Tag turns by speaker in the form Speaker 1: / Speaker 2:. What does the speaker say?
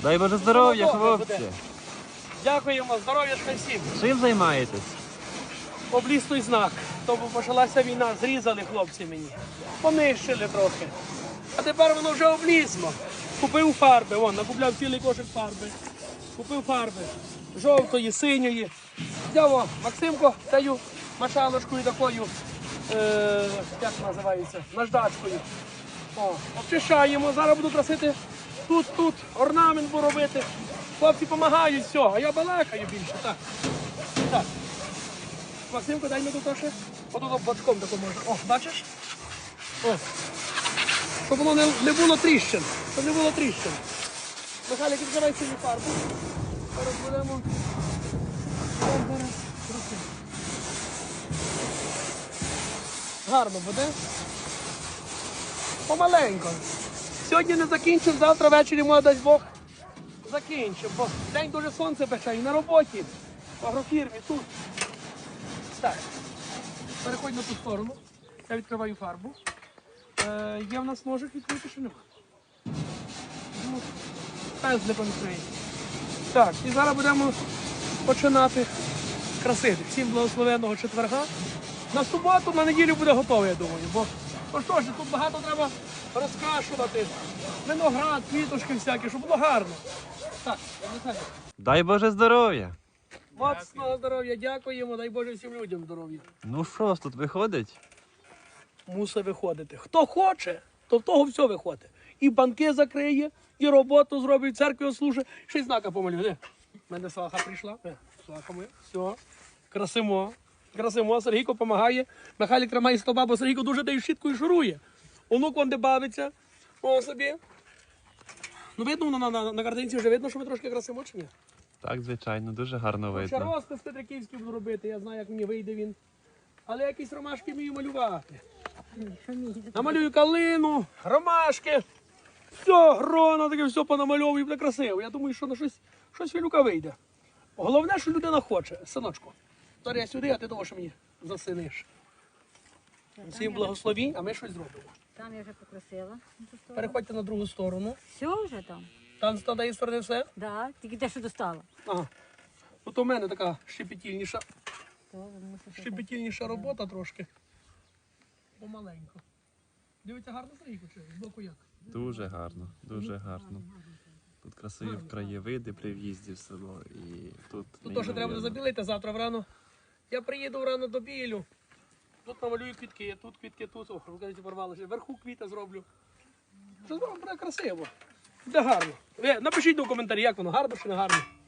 Speaker 1: Дай Боже здоров'я,
Speaker 2: Воно добре
Speaker 1: хлопці.
Speaker 2: буде. Дякуємо, здоров'ячка всім.
Speaker 1: Чим займаєтесь?
Speaker 2: Обліз той знак. Тому почалася війна, зрізали хлопці мені. Понищили трохи. А тепер воно вже облізло. Купив фарби, вон, накупляв цілий кошик фарби. Купив фарби жовтої, синьої. Взяв, Максимко, даю машалочкою такою, як називається, наждачкою. О, обчищаємо, зараз буду красити тут, орнамент буду робити. Хлопці допомагають, все, а я балакаю більше. Так. Так. Максимко, дай мені тут ще. Отут бочком тако можна. О, бачиш? О. Щоб воно не було тріщин. Щоб не було тріщин. Михайлик, відкривай синю фарбу. Зараз будемо. Гарно буде. Помаленько. Сьогодні не закінчимо, завтра ввечері, може, дасть Бог, закінчимо. Бо день дуже сонце пече і на роботі, в агрофірмі, тут. Так, переходь на ту сторону. Я відкриваю фарбу. Є в нас ножик відкрити, чи нема? Ну, пензликом відкриє. Так, і зараз будемо починати красити. Всім благословенного четверга. На суботу, на неділю буде готово, я думаю. Бо що ж, тут багато треба розкрашувати. Виноград, квіточки всякі, щоб було гарно. Так, Михайло.
Speaker 1: Дай Боже здоров'я.
Speaker 2: Моцного здоров'я, дякуємо, дай Боже всім людям здоров'я.
Speaker 1: Ну що ж тут виходить?
Speaker 2: Мусить виходити. Хто хоче, то в того все виходить. І банки закриє, і роботу зробить, церкві ослужить, ще й знака помалює. У мене сваха прийшла. Сваха моя. Все. Красимо. Красимо. Сергійко допомагає. Михайлик тримає стовба, бо Сергійко дуже дає щіткою шурує. Онук вон де бавиться. О собі. Ну видно, на картинці вже видно, що ми трошки красимо чи ні?
Speaker 1: Так, звичайно, дуже гарно
Speaker 2: Ще
Speaker 1: видно.
Speaker 2: розпис Петриківський буду робити, я знаю, як мені вийде він. Але якісь ромашки вмію малювати. Намалюю калину, ромашки. Все, гроно, таке все понамальовую, буде красиво. Я думаю, що на щось Філюка вийде. Головне, що людина хоче. Синочку, зараз я сюди, а ти того, що мені засиниш. Всім благословінь, а ми щось зробимо.
Speaker 3: Там я вже покрасила.
Speaker 2: Переходьте на другу сторону.
Speaker 3: Все вже там?
Speaker 2: Там з тієї сторони все.
Speaker 3: Да, тільки те, що достала.
Speaker 2: Ага. От у мене така щепетільніша.
Speaker 3: То, мусиш
Speaker 2: Щепетільніша робота трошки. Помаленько. Дивіться, гарно Сергійко, чи з боку як?
Speaker 1: Дуже гарно, дуже гарно. Тут красиві краєвиди при в'їзді в село. І тут
Speaker 2: Тут теж треба буде
Speaker 1: неймовірно.
Speaker 2: забілити завтра врано. Я приїду врано до білю. Тут намалюю квітки, тут квітки, тут. О, розкажіть, порвалося. Вверху квіти зроблю. Що зробимо, буде красиво. Буде гарно. Ви напишіть у коментарі, як воно, гарно чи не гарно.